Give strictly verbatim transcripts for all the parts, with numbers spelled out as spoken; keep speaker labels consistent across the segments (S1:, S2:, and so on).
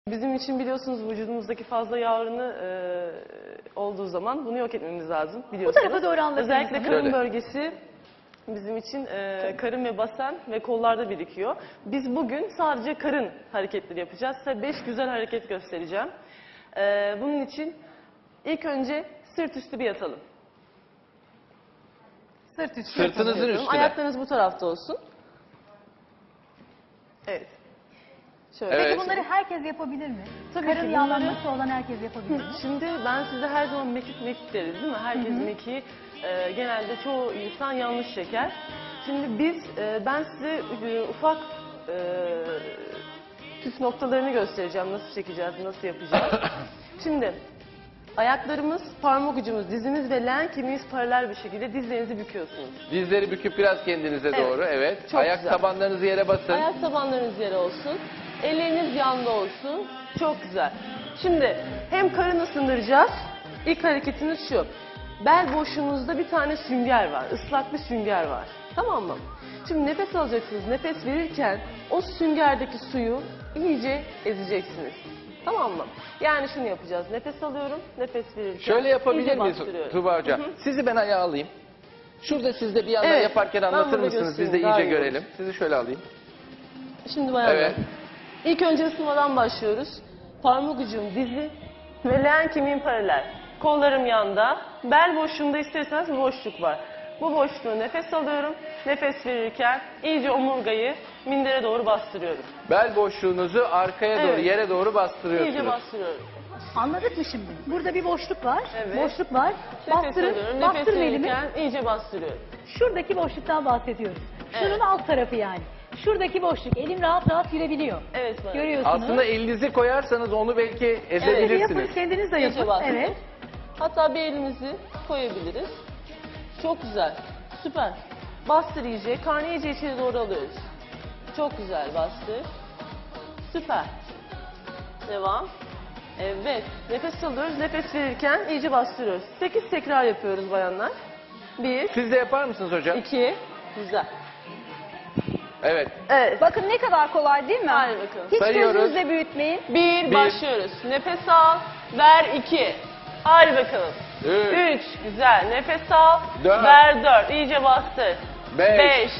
S1: Bizim için biliyorsunuz vücudumuzdaki fazla yağ oranı e, olduğu zaman bunu yok etmemiz lazım biliyorsunuz.
S2: Bu tarafa doğru anlatın.
S1: Özellikle karın
S3: Şöyle.
S1: bölgesi bizim için e, karın ve basen ve kollarda birikiyor. Biz bugün sadece karın hareketleri yapacağız. Size beş güzel hareket göstereceğim. E, bunun için ilk önce sırt üstü bir yatalım.
S2: Sırt üstü.
S3: Sırtınızın
S1: Yatıyorum.
S3: üstüne.
S1: Ayaklarınız bu tarafta olsun. Evet. Şöyle.
S3: Evet.
S2: Peki bunları herkes yapabilir mi?
S1: Tabii
S2: Karın
S1: ki bunları-
S2: yağlanması olan herkes yapabilir mi?
S1: Şimdi ben size her zaman mekik mekik deriz değil mi? Herkes mekiği e, genelde çoğu insan yanlış çeker. Şimdi biz, e, ben size e, ufak e, püf noktalarını göstereceğim. Nasıl çekeceğiz, nasıl yapacağız. Şimdi ayaklarımız, parmak ucumuz, dizimiz ve leğen kemiğimiz paralel bir şekilde dizlerinizi büküyorsunuz.
S3: Dizleri büküp biraz kendinize
S1: Evet.
S3: doğru. Evet.
S1: Çok
S3: Ayak
S1: güzel.
S3: tabanlarınızı yere basın.
S1: Ayak tabanlarınız yere olsun. Elleriniz yanda olsun. Çok güzel. Şimdi hem karın ısındıracağız. İlk hareketimiz şu. Bel boşluğunuzda bir tane sünger var. Islak bir sünger var. Tamam mı? Şimdi nefes alacaksınız. Nefes verirken o süngerdeki suyu iyice ezeceksiniz. Tamam mı? Yani şunu yapacağız. Nefes alıyorum. Nefes verirken
S3: Şöyle yapabilir
S1: iyice
S3: miyiz
S1: bastırıyorum.
S3: Tuba Hoca?
S1: Hı hı.
S3: Sizi ben ayağa alayım. Şurada siz de bir yandan
S1: Evet,
S3: yaparken
S1: ben
S3: anlatır
S1: burada
S3: mısınız? Biz de
S1: göstereyim, daha
S3: iyice
S1: iyi olur.
S3: görelim. Sizi şöyle alayım.
S1: Şimdi bayanlar.
S3: Evet.
S1: İlk önce ısınmadan başlıyoruz. Parmak ucum dizi ve leğen kemiğim paralel. Kollarım yanda. Bel boşluğunda isterseniz bir boşluk var. Bu boşluğu nefes alıyorum. Nefes verirken iyice omurgayı mindere doğru bastırıyorum.
S3: Bel boşluğunuzu arkaya doğru,
S1: Evet.
S3: yere doğru bastırıyorsunuz.
S1: İyice bastırıyorum.
S2: Anladık mı şimdi? Burada bir boşluk var.
S1: Evet.
S2: Boşluk var.
S1: Nefes
S2: Bastırın.
S1: alıyorum. Nefes
S2: Bastırın elimi.
S1: verirken iyice bastırıyorum.
S2: Şuradaki boşluktan bahsediyoruz. Şunun
S1: Evet.
S2: alt tarafı yani. Şuradaki boşluk. Elim rahat rahat girebiliyor.
S1: Evet bayan.
S2: Görüyorsunuz.
S3: Aslında elinizi koyarsanız onu belki
S2: Yapın,
S3: ezebilirsiniz.
S2: kendiniz de
S1: İyice
S2: yapın.
S1: bastırın.
S2: Evet.
S1: Hatta bir elimizi koyabiliriz. Çok güzel. Süper. Bastır iyice. Karnı iyice içeri doğru alıyoruz. Çok güzel bastır. Süper. Devam. Evet. Nefes alıyoruz. Nefes verirken iyice bastırıyoruz. sekiz tekrar yapıyoruz bayanlar. bir,
S3: Siz de yapar mısınız hocam?
S1: iki, güzel.
S3: Evet.
S1: Evet.
S4: Bakın ne kadar kolay değil mi?
S1: Hadi bakalım.
S4: Hiç
S3: Sayıyoruz.
S4: gözünüzle büyütmeyin.
S1: bir,
S3: Bir.
S1: başlıyoruz. Nefes al. Ver iki. Hadi bakalım.
S3: Üç.
S1: üç. Güzel. Nefes al.
S3: Dört.
S1: Ver dört. İyice bastır.
S3: Beş.
S1: beş.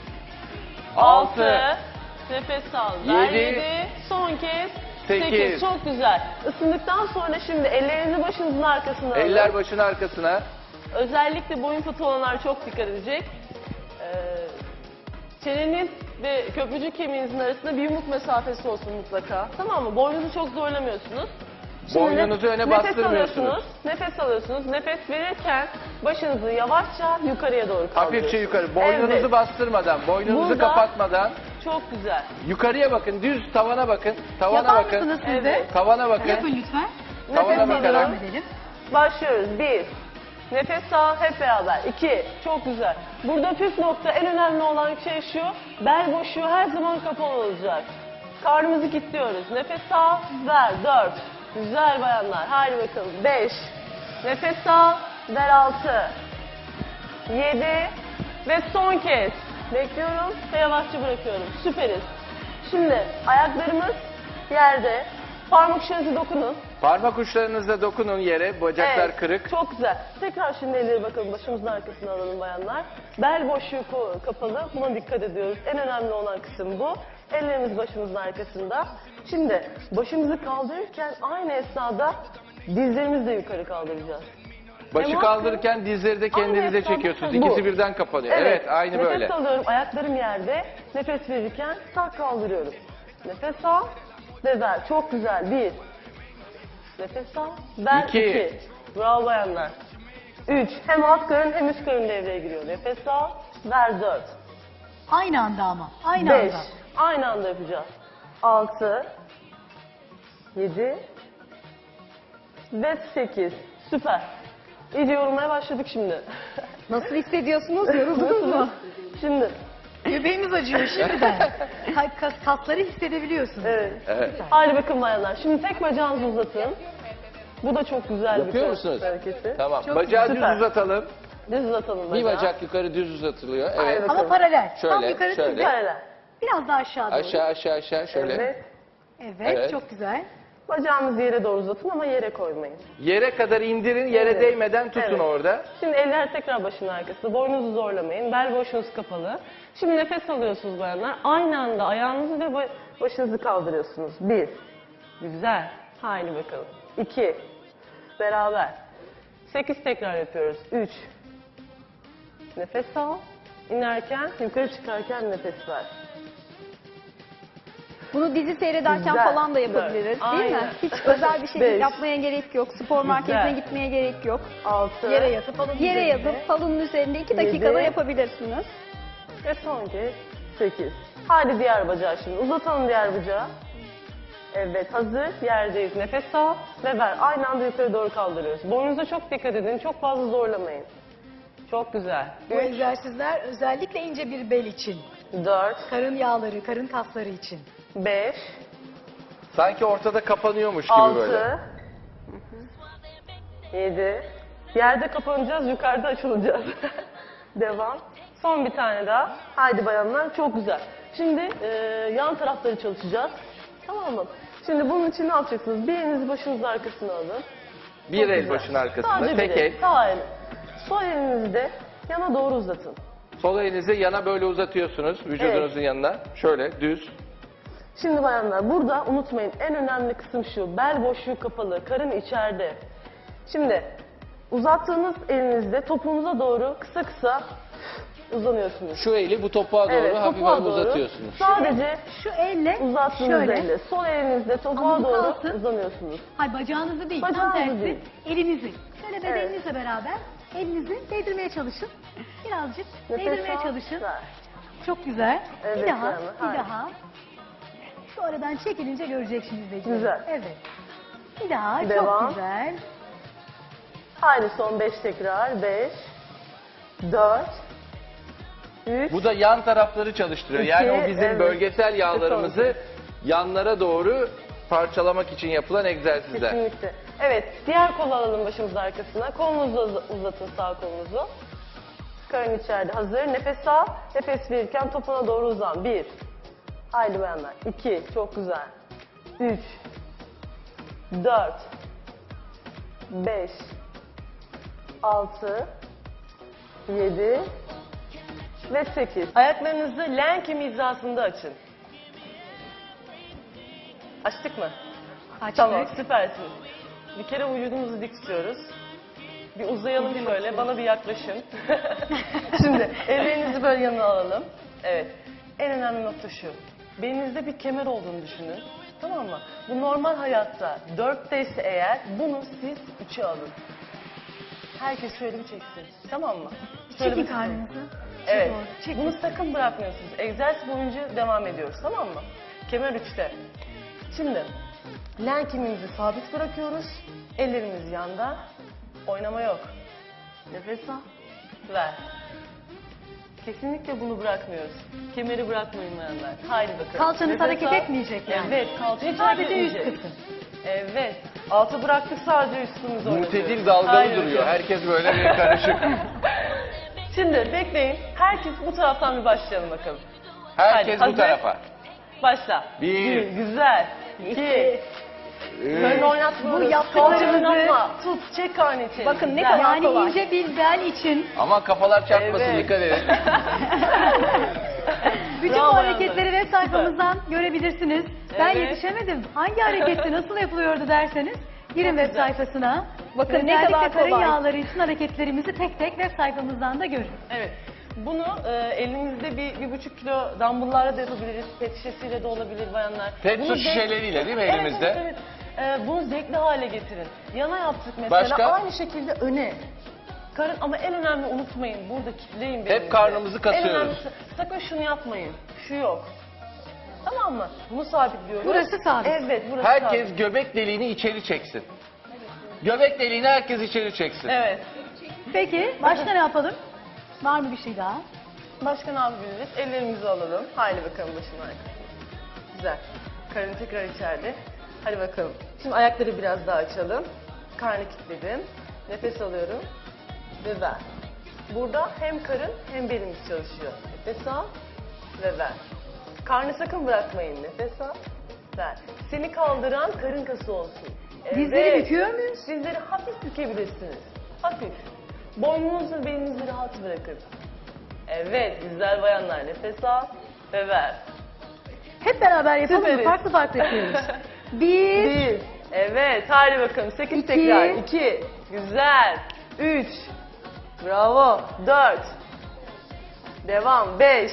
S3: Altı.
S1: altı. Nefes al. Ver
S3: Yedi.
S1: yedi. Son kez.
S3: Sekiz.
S1: sekiz. Çok güzel. Isındıktan sonra şimdi ellerinizi başınızın arkasına alın.
S3: Eller başın arkasına.
S1: Özellikle boyun fıtığı olanlar çok dikkat edecek. Ee, çeneniz ve köprücük kemiğinizin arasında bir yumruk mesafesi olsun mutlaka. Tamam mı? Boynunuzu çok zorlamıyorsunuz.
S3: Boynunuzu
S1: nef-
S3: öne
S1: nefes
S3: bastırmıyorsunuz.
S1: alıyorsunuz, nefes alıyorsunuz. Nefes verirken başınızı yavaşça yukarıya doğru kaldırıyorsunuz.
S3: Hafifçe yukarı. Boynunuzu
S1: Evet.
S3: bastırmadan, boynunuzu
S1: Burada-
S3: kapatmadan.
S1: Çok güzel.
S3: Yukarıya bakın, düz tavana bakın. Tavana
S2: Yapar
S3: bakın.
S2: mısınız siz de?
S1: Evet.
S3: Tavana bakın.
S2: Yapın lütfen.
S3: Tavana
S1: Nefes
S3: bakarak.
S2: Devam
S1: alıyorum.
S2: edelim.
S1: Başlıyoruz. Bir. Nefes al hep beraber. İki. Çok güzel. Burada püf nokta, en önemli olan şey şu. Bel boşluğu her zaman kapalı olacak. Karnımızı kilitliyoruz. Nefes al. Ver. Dört. Güzel bayanlar. Hadi bakalım. Beş. Nefes al. Ver altı. Yedi. Ve son kez. Bekliyorum ve yavaşça bırakıyorum. Süperiz. Şimdi ayaklarımız yerde. Parmak uçlarınızı dokunun.
S3: Parmak uçlarınızla dokunun yere, bacaklar
S1: Evet,
S3: kırık.
S1: Çok güzel. Tekrar şimdi elleri bakalım başımızın arkasına alalım bayanlar. Bel boşluğu ko- kapalı. Buna dikkat ediyoruz. En önemli olan kısım bu. Ellerimiz başımızın arkasında. Şimdi başımızı kaldırırken aynı esnada dizlerimizi de yukarı kaldıracağız.
S3: Başı
S1: Hem
S3: kaldırırken dizleri de kendinize
S1: Aynı esnada
S3: çekiyorsunuz.
S1: bu.
S3: İkisi birden kapanıyor. Evet, aynı
S1: Nefes
S3: böyle.
S1: alıyorum. Ayaklarım yerde. Nefes verirken tak kaldırıyorum. Nefes al ve ver. Çok güzel. Bir. Nefes al. Ver.
S3: İki.
S1: iki. Bravo bayanlar. Üç. Hem alt karın hem üst karın devreye giriyor. Nefes al. Ver. Dört.
S2: Aynı anda ama. Aynı
S1: Beş.
S2: anda.
S1: Aynı anda yapacağız. Altı. Yedi. Ve sekiz. Süper. İyice yorulmaya başladık şimdi.
S4: Nasıl hissediyorsunuz? Yoruldunuz mu?
S1: Şimdi.
S2: Göbeğimiz acıyor şimdiden. Ka- kas- Kasları hissedebiliyorsunuz.
S1: Evet.
S3: Evet.
S1: Hadi bakın bayanlar. Şimdi tek bacağınızı uzatın. Bu da çok güzel bir
S3: Yapıyor
S1: kas
S3: musunuz?
S1: hareketi.
S3: Tamam.
S2: Çok
S3: Bacağı
S1: süper.
S3: düz uzatalım.
S1: Düz uzatalım
S3: Bir
S1: bacağı.
S3: bacak yukarı düz uzatılıyor.
S1: Aynen.
S3: Evet.
S2: Ama paralel. Tam
S3: Şöyle,
S2: yukarı
S3: şöyle.
S2: sizde.
S1: Paralel.
S2: Biraz daha aşağı doğru.
S3: Aşağı aşağı aşağı şöyle.
S1: Evet.
S2: Evet,
S3: Evet.
S2: çok güzel.
S1: Bacağınızı yere doğru uzatın ama yere koymayın.
S3: Yere kadar indirin, yere
S1: Evet.
S3: değmeden tutun
S1: Evet.
S3: orada.
S1: Şimdi eller tekrar başın arkasında. Boynunuzu zorlamayın. Bel boşluğunuz kapalı. Şimdi nefes alıyorsunuz bayanlar. Aynı anda ayağınızı ve ba- başınızı kaldırıyorsunuz. Bir. Güzel. Haydi bakalım. İki. Beraber. Sekiz tekrar yapıyoruz. Üç. Nefes al. İnerken, yukarı çıkarken nefes ver.
S4: Bunu dizi seyrederken
S1: Güzel,
S4: falan da yapabiliriz
S1: güzel.
S4: değil mi?
S1: Aynen.
S4: Hiç özel bir şey
S1: Beş.
S4: yapmaya gerek yok. Spor merkezine gitmeye gerek yok.
S1: Altı.
S2: Yere yatıp alın
S4: Yere
S2: üzerinde.
S4: yatıp salonun üzerinde iki dakikada
S1: Yedi.
S4: yapabilirsiniz.
S1: Ve son kez sekiz. Hadi diğer bacağı şimdi. Uzatalım diğer bacağı. Evet, hazır. Yerdeyiz. Nefes al ve ver. Aynı anda yukarı doğru kaldırıyoruz. Boynunuza çok dikkat edin. Çok fazla zorlamayın. Çok güzel.
S2: Bu egzersizler özellikle ince bir bel için.
S1: Dört,
S2: Karın yağları, karın kasları için.
S1: beş,
S3: Sanki ortada kapanıyormuş gibi böyle.
S1: altı, yedi. Yerde kapanacağız, yukarıda açılacağız. Devam. Son bir tane daha. Haydi bayanlar, çok güzel. Şimdi e, yan tarafları çalışacağız. Tamam mı? Şimdi bunun için ne yapacaksınız? Bir elinizi başınızın arkasına alın.
S3: Bir
S1: Çok
S3: el
S1: güzel.
S3: başın arkasında,
S1: Sadece
S3: tek
S1: bir
S3: el.
S1: Sağ el. Sol elinizi de yana doğru uzatın.
S3: Sol elinizi yana böyle uzatıyorsunuz, vücudunuzun yanına. Şöyle düz.
S1: Şimdi bayanlar burada unutmayın en önemli kısım şu. Bel boşluğu kapalı, karın içeride. Şimdi uzattığınız elinizde topuğunuza doğru kısa kısa uzanıyorsunuz.
S3: Şu eli bu topuğa doğru
S1: Evet,
S3: hafif
S1: topuğa
S3: hafif
S1: doğru.
S3: uzatıyorsunuz.
S1: Sadece
S2: Şu elle
S1: uzattığınız
S2: şöyle.
S1: elle, sol elinizde topuğa
S2: Ama bu
S1: doğru
S2: kalsın.
S1: uzanıyorsunuz.
S2: Hayır, bacağınızı değil,
S1: Bacağınızı
S2: tam tersi.
S1: değil.
S2: Elinizi. Şöyle bedeninizle beraber elinizi değdirmeye çalışın. Birazcık
S1: Nefes
S2: değdirmeye
S1: al,
S2: çalışın.
S1: ver.
S2: Çok güzel.
S1: Evet,
S2: bir daha,
S1: yani,
S2: bir
S1: hayır.
S2: daha. Sonradan çekilince göreceksiniz izleyiciler.
S1: Güzel.
S2: Evet. Bir daha,
S1: Devam.
S2: çok güzel.
S1: Haydi son beş tekrar. Beş, dört, üç,
S3: Bu da yan tarafları çalıştırıyor.
S1: İki,
S3: Yani o bizim
S1: evet.
S3: bölgesel yağlarımızı
S1: Son.
S3: yanlara doğru parçalamak için yapılan egzersizler.
S1: Kesinlikle. Evet, diğer kolu alalım başımızın arkasına. Kolunuzu uz- uzatın, sağ kolunuzu. Karın içeride hazır. Nefes al. Nefes verirken topuna doğru uzan. Bir. Haydi bayanlar. İki. Çok güzel. Üç. Dört. Beş. Altı. Yedi. Ve sekiz. Ayaklarınızı len kemiği hizasında açın. Açtık mı?
S2: Açtık.
S1: Tamam, süpersiniz. Bir kere vücudumuzu dik tutuyoruz. Bir uzayalım şöyle, bana bir yaklaşın. Şimdi ellerinizi böyle yanına alalım. Evet, en önemli nokta şu. Belinizde bir kemer olduğunu düşünün. Tamam mı? Bu normal hayatta dörtteyse eğer, bunu siz üçe alın. Herkes şöyle bir çeksin. Tamam mı? Şöyle
S2: Çekin
S1: bir
S2: karnınızı.
S1: Evet.
S2: Doğru. Çekin.
S1: Bunu sakın bırakmıyorsunuz. Egzersiz boyunca devam ediyoruz, tamam mı? Kemer üçte. Şimdi len kemiğimizi sabit bırakıyoruz. Ellerimiz yanda. Oynama yok. Nefes al. Ver. Kesinlikle bunu bırakmıyoruz. Kemeri bırakmayın bayanlar. Haydi bakalım.
S2: Kalçanız
S1: Nefes
S2: hareket
S1: al.
S2: etmeyecek yani.
S1: Evet, kalça hiç
S2: Sadece
S1: hareket
S2: üst
S1: etmeyecek.
S2: kısım.
S1: Evet. Altı bıraktık, sadece üstümüzü oynatıyoruz.
S3: Muhtedil dalgalı
S1: Haydi
S3: duruyor.
S1: bakalım.
S3: Herkes böyle bir karışık.
S1: Şimdi bekleyin. Herkes bu taraftan bir başlayalım bakalım.
S3: Herkes
S1: Hadi,
S3: bu
S1: hazır.
S3: tarafa.
S1: Başla.
S3: Bir.
S1: Güzel. İki. Böyle
S3: Üç.
S1: oynatmıyoruz.
S2: Bu yaptıklarımızı-
S1: Kalçanı oynatma. Tut, çek karnı içeri.
S4: Bakın ne
S1: Güzel.
S4: kadar
S2: Yani
S4: kolay.
S2: ince bir bel için
S3: Ama kafalar çarpmasın,
S1: Evet.
S3: dikkat edin.
S2: bütün
S1: Bravo
S2: bu hareketleri
S1: Yalnız.
S2: web sayfamızdan görebilirsiniz. Ben
S1: Evet.
S2: yetişemedim. Hangi harekette nasıl yapılıyordu derseniz girin
S1: Çok
S2: web
S1: güzel.
S2: sayfasına.
S4: Bakın ne
S2: Özellikle
S4: kadar
S2: karın
S4: kolay.
S2: yağları için hareketlerimizi tek tek web sayfamızdan da görün.
S1: Evet. Bunu e, elinizde bir, bir buçuk kilo dumbbell'larla da yapabiliriz. Pet şişesiyle de olabilir bayanlar.
S3: Pet
S1: Bunu
S3: su
S1: zevk-
S3: şişeleriyle değil mi
S1: Evet,
S3: elimizde?
S1: Evet, evet. E, bunu zevkli hale getirin. Yana yaptık mesela.
S3: Başka?
S1: Aynı şekilde öne. Karın ama en önemli unutmayın. Burada kitleyin belinizi.
S3: karnımızı kasıyoruz.
S1: En önemlisi sakın şunu yapmayın. Şu yok. Tamam mı? Bunu sabitliyoruz.
S2: Burası sabit.
S1: Evet, burası
S3: Herkes
S1: sabit.
S3: göbek deliğini içeri çeksin. Göbek deliğini herkes içeri çeksin.
S1: Evet.
S2: Peki başka ne yapalım? Var mı bir şey daha?
S1: Başka ne yapabiliriz? Ellerimizi alalım. Haydi bakalım başın arkasına. Güzel. Karın tekrar içeride. Hadi bakalım. Şimdi ayakları biraz daha açalım. Karnı kilitledim. Nefes alıyorum. Ve ver. Burada hem karın hem belimiz çalışıyor. Nefes al ve ver. Karnı sakın bırakmayın. Nefes al Ver. Seni kaldıran karın kası olsun.
S2: Dizleri büküyor muyuz?
S1: Dizleri hafif bükebilirsiniz. Hafif. Boynunuzu belinizi rahat bırakın. Evet, güzel bayanlar. Nefes al ve ver.
S2: Hep beraber yapalım mı?
S1: Süperiz.
S2: Farklı farklı yapıyoruz. Bir,
S1: Bir. Evet, hadi bakalım. Sekiz
S2: İki.
S1: tekrar. İki. Güzel. Üç. Bravo. Dört. Devam. Beş.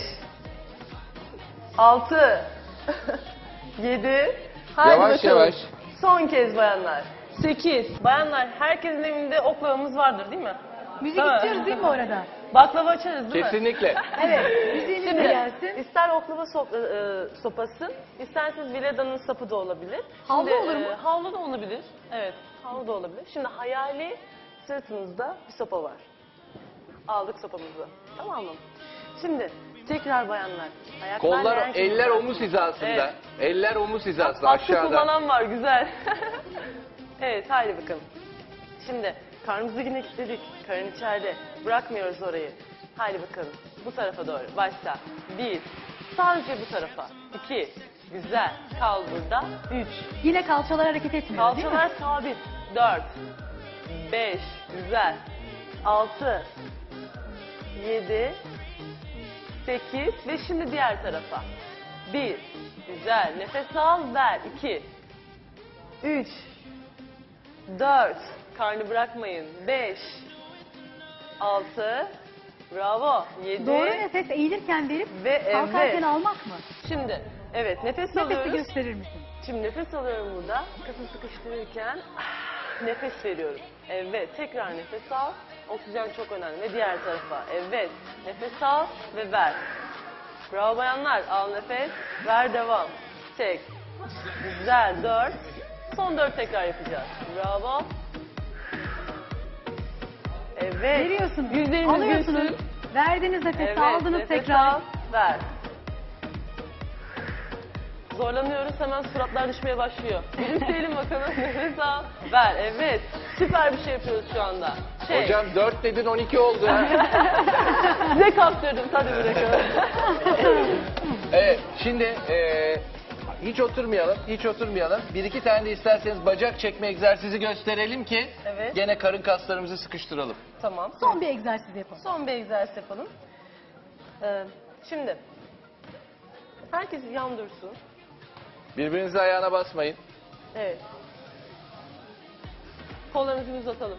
S1: Altı. Yedi. Hadi
S3: Yavaş
S1: bakalım.
S3: yavaş.
S1: Son kez bayanlar. Sekiz. Bayanlar, herkesin evinde oklavamız vardır değil mi?
S2: müzik
S1: Tamam.
S2: istiyoruz değil mi orada?
S1: Baklava açarız değil mi?
S3: Kesinlikle.
S2: Evet, müziğimiz de
S1: Şimdi
S2: gelsin.
S1: ister oklava sop- e, sopası, isterseniz Vileda'nın sapı da olabilir.
S2: Havlu
S1: Şimdi,
S2: olur mu?
S1: e, havlu da olabilir. Evet, havlu da olabilir. Şimdi hayali sırtımızda bir sopa var. Aldık sopamızı. Tamam mı? Şimdi tekrar bayanlar. Ayaklar
S3: Kollar,
S1: leğen gibi
S3: eller
S1: var.
S3: omuz hizasında.
S1: Evet.
S3: Eller omuz hizasında
S1: Atkı
S3: aşağıda.
S1: kullanan var, güzel. Evet, haydi bakalım. Şimdi karnımızı yine kilitledik. Karın içeride. Bırakmıyoruz orayı. Haydi bakalım. Bu tarafa doğru. Başla. Bir. Sadece bu tarafa. İki. Güzel. Kal burada. Üç.
S2: Yine kalçalar hareket etmiyor değil mi?
S1: Kalçalar sabit. Dört. Beş. Güzel. Altı. Yedi. Sekiz. Ve şimdi diğer tarafa. Bir. Güzel. Nefes al. Ver. İki. Üç. Dört. Karnı bırakmayın. Beş. Altı. Bravo. Yedi.
S2: Doğru nefes eğilirken verip
S1: Ve
S2: kalkarken
S1: evet.
S2: almak mı?
S1: Şimdi evet nefes
S2: Nefesi
S1: alıyoruz.
S2: gösterir misin?
S1: Şimdi nefes alıyorum burada. Kafamı sıkıştırırken ah, nefes veriyorum. Evet. Tekrar nefes al. Oksijen çok önemli. Ve diğer tarafa. Evet. Nefes al ve ver. Bravo bayanlar. Al nefes. Ver devam. Çek. Güzel. Dört. Son dört tekrar yapacağız. Bravo. Evet.
S2: Veriyorsunuz,
S1: Yüzlerimiz
S2: alıyorsunuz,
S1: gülsün.
S2: verdiniz nefesi,
S1: Evet,
S2: aldınız
S1: nefes
S2: tekrar.
S1: al, ver. Zorlanıyoruz, hemen suratlar düşmeye başlıyor. Gülümseyelim bakalım, nefes al, ver. Evet, süper bir şey yapıyoruz şu anda. Şey,
S3: Hocam dört dedin on iki oldu.
S1: size kaptırdım, hadi bırakalım.
S3: Evet, şimdi e, hiç oturmayalım, hiç oturmayalım. Bir iki tane de isterseniz bacak çekme egzersizi gösterelim ki
S1: Evet.
S3: gene karın kaslarımızı sıkıştıralım.
S1: Tamam,
S2: Son bir egzersiz yapalım.
S1: son bir egzersiz yapalım. Ee, şimdi, herkes yan dursun.
S3: Birbirinize ayağına basmayın.
S1: Evet. Kollarımızı uzatalım.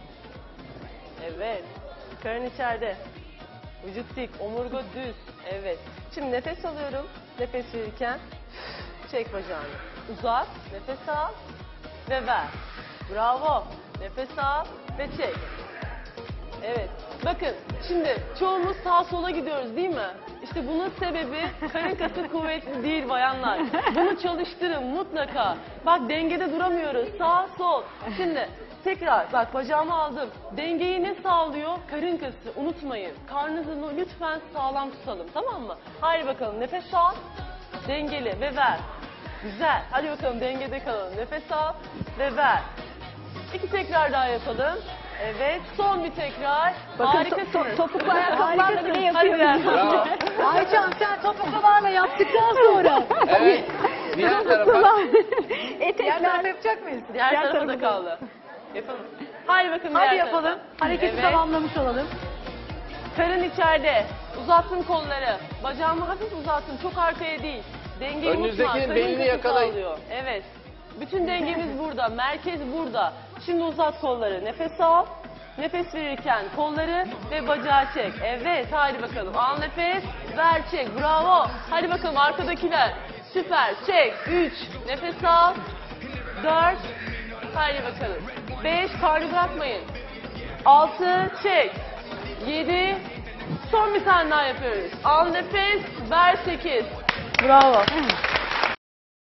S1: Evet. Karın içeride. Vücut dik, omurga düz. Evet. Şimdi nefes alıyorum. Nefes verirken çek bacağını. Uzat, nefes al ve ver. Bravo. Nefes al ve çek. Evet. Bakın şimdi çoğumuz sağa sola gidiyoruz değil mi? İşte bunun sebebi karın kası kuvvetli değil bayanlar. Bunu çalıştırın mutlaka. Bak dengede duramıyoruz. Sağ sol. Şimdi tekrar bak bacağımı aldım. Dengeyi ne sağlıyor? Karın kası. Unutmayın. Karnınızı lütfen sağlam tutalım, tamam mı? Haydi bakalım nefes al. Dengeli ve ver. Güzel. Hadi bakalım dengede kalalım. Nefes al ve ver. İki tekrar daha yapalım. Evet, son bir tekrar. Harikasınız.
S4: topuklu ayakkabılarla bile
S1: Hadi
S4: yapıyoruz.
S1: diğer tarafa.
S2: Aycan sen topuklularla yaptıktan sonra
S3: Evet, diğer tarafa.
S2: diğer
S4: Etekler.
S2: tarafa yapacak mıyız?
S1: Diğer
S4: Diğer
S1: tarafa da
S4: tarafa
S1: kaldı. Yapalım. Hadi bakalım
S2: Hadi
S1: diğer
S2: yapalım.
S1: tarafa.
S2: Hareketi
S1: Evet.
S2: tamamlamış olalım.
S1: Karın içeride. Uzattım kolları. Bacağımı hafif uzattım. Çok arkaya değil. Dengeyi
S3: Önünüzdekinin
S1: unutma. Karın
S3: belini
S1: kası
S3: yakalayın.
S1: sağlıyor. Evet. Bütün dengemiz burada. Merkez burada. Şimdi uzat kolları. Nefes al. Nefes verirken kolları ve bacağı çek. Evet. Hadi bakalım. Al nefes. Ver çek. Bravo. Hadi bakalım arkadakiler. Süper. Çek. Üç. Nefes al. Dört. Hadi bakalım. Beş. Karnı bırakmayın. Altı. Çek. Yedi. Son bir tane daha yapıyoruz. Al nefes. Ver sekiz. Bravo.